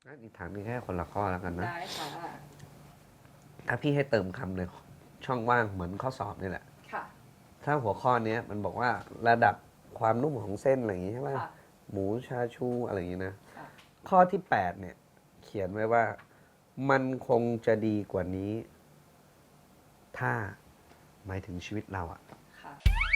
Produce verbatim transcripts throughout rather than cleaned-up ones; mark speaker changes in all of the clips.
Speaker 1: งั้นอีกถามมีแค่คนละข้อแล้วกันนะ
Speaker 2: ได้ค่ะ
Speaker 1: ถ้าพี่ให้เติมคำในช่องว่างเหมือนข้อสอบนี่แหละ
Speaker 2: ค่ะ
Speaker 1: ถ้าหัวข้อเนี้ยมันบอกว่าระดับความนุ่มของเส้นอะไรอย่างงี้ใช่ไหม
Speaker 2: ค่ะ
Speaker 1: หมูชาชูอะไรอย่างงี้นะ
Speaker 2: ค่ะ
Speaker 1: ข้อที่แปดเนี่ย เขียนไว้ว่ามันคงจะดีกว่านี้ ถ้าหมายถึงชีวิตเราอะ
Speaker 2: ค่ะ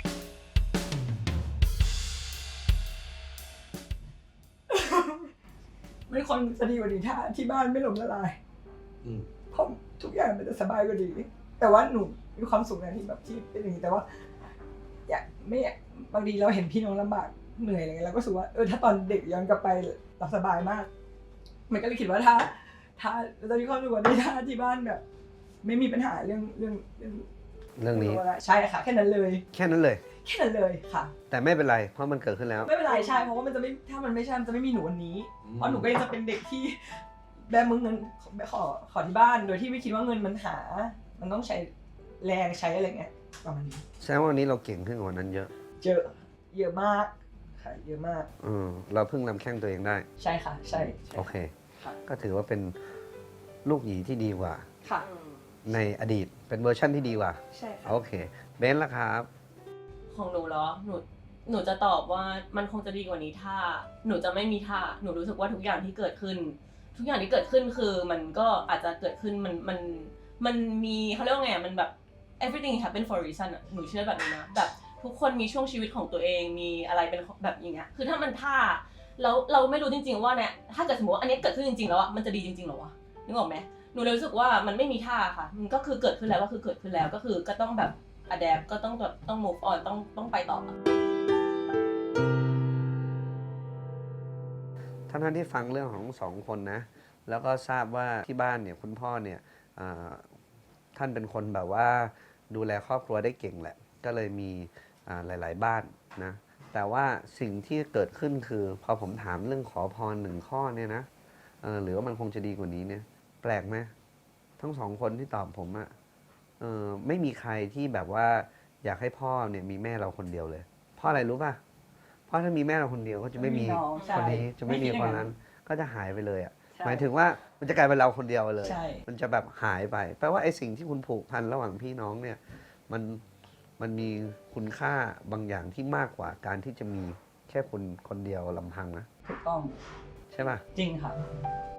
Speaker 3: ไม่คนจะดีกว่านี้ถ้าที่บ้านไม่ล้มละลาย
Speaker 1: อืม
Speaker 3: เพราะทุกอย่างมันจะสบายกว่านี้แต่ว่าหนูมีความสุขนะที่แบบที่เป็นอย่างนี้แต่ว่า อยากไม่อยากบางทีเราเห็นพี่น้องลำบากเหนื่อยอะไรเงี้ยเราก็รู้สึกว่าเออถ้าตอนเด็กย้อนกลับไปเราสบายมาก มันก็เลยคิดว่าถ้า ถ้าเราจะมีความสุขกว่านี้ถ้าที่บ้านแบบ ไม่มีปัญหาเรื่องเรื่องเรื่อง
Speaker 1: เรื่องนี้
Speaker 3: ใช่ค่ะแค่นั้นเลย
Speaker 1: แค่นั้นเลย
Speaker 3: แค่นั้นเลยค่ะ
Speaker 1: แต่ไม่เป็นไร เพราะมันเกิดขึ้นแล้ว
Speaker 3: ไม่เป็นไรใช่เพราะว่ามันจะไม่ถ้ามันไม่ใช่มันจะไม่มีหนูวันนี้
Speaker 1: อืม
Speaker 3: เพราะหนูก็ยังจะเป็นเด็กที่แบมือเงินขอขอที่บ้านโดยที่ไม่คิดว่าเงินมันหา มันต้องใช้แรงใช้อะไรเงี้ยประมาณนี้
Speaker 1: แสดงว่าวันนี้เราเก่งขึ้นกว่านั้นเยอะ
Speaker 3: เยอะเยอะมากค่ะเยอะมาก
Speaker 1: เออเราเพิ่งลำแข้งตัวเองได้
Speaker 3: ใช่ค่ะ ใช่ใช่
Speaker 1: โอเค
Speaker 3: ค่ะ
Speaker 1: ก็ถือว่าเป็นลูกหยีที่ดีกว่า
Speaker 3: ค่ะ
Speaker 1: ในอดีต เป็นเวอร์ชั่นที่ดีกว่า
Speaker 3: ใช่ค่ะ
Speaker 1: โอเค เบนซ์ละครับ
Speaker 2: ของหนูเหรอ หนู หนูจะตอบว่ามันคงจะดีกว่านี้ถ้า หนูจะไม่มีถ้า หนูรู้สึกว่าทุกอย่างที่เกิดขึ้น ทุกอย่างที่เกิดขึ้นคือมันก็อาจจะเกิดขึ้นมัน มัน มันมีเขาเรียกว่าไงอะมันแบบ everything happen for a reason อะหนูเชื่อแบบนี้นะ แบบทุกคนมีช่วงชีวิตของตัวเอง มีอะไรเป็นแบบอย่างเงี้ย คือถ้ามันถ้า แล้วเราไม่รู้จริงๆว่าเนี่ย ถ้าเกิดสมมติว่าอันนี้เกิดขึ้นจริงๆแล้วอะมันจะดีจริงๆเหรอวะ นึกออกไหม หนูเลยรู้สึกว่ามันไม่มีท่าค่ะ มันก็คือเกิดขึ้นแล้วก็คือเกิดขึ้นแล้ว ก็คือก็ต้องแบบ adapt ก็ต้องแบบต้อง move on ต้องต้องไปต่อ
Speaker 1: ท่านท่านที่ฟังเรื่องของสองคนนะ แล้วก็ทราบว่าที่บ้านเนี่ยคุณพ่อเนี่ยอ่าท่านเป็นคนแบบว่าดูแลครอบครัวได้เก่งแหละ ก็เลยมีอ่าหลาย ๆ บ้านนะ แต่ว่าสิ่งที่เกิดขึ้นคือพอผมถามเรื่องขอพรหนึ่งข้อเนี่ยนะเออหรือว่ามันคงจะดีกว่านี้เนี่ย แปลกไหมทั้งสองคนที่ตอบผมอะเออไม่มีใครที่แบบว่าอยากให้พ่อเนี่ยมีแม่เราคนเดียวเลย เพราะอะไรรู้ป่ะ เพราะถ้ามีแม่เราคนเดียวก็จะไม่มี
Speaker 3: ไม่มีน้องใช่
Speaker 1: คนนี้จะไม่มี
Speaker 3: ไม่คิดอ
Speaker 1: ค
Speaker 3: ย่าน งนั้
Speaker 1: นั้น
Speaker 3: น
Speaker 1: ก็จะหายไปเลยอ่ะ
Speaker 3: ใช่
Speaker 1: หมายถึงว่ามันจะกลายเป็นเราคนเดียวไปเลย
Speaker 3: ใช่
Speaker 1: มันจะแบบหายไปแปลว่าไอ้สิ่งที่คุณผูกพันระหว่างพี่น้องเนี่ยมันมันมีคุณค่าบางอย่างที่มากกว่าการที่จะมีแค่คนคนเดียวลำพังนะ
Speaker 3: ถูกต้อง
Speaker 1: ใช่ป่ะ
Speaker 3: จริงค่ะ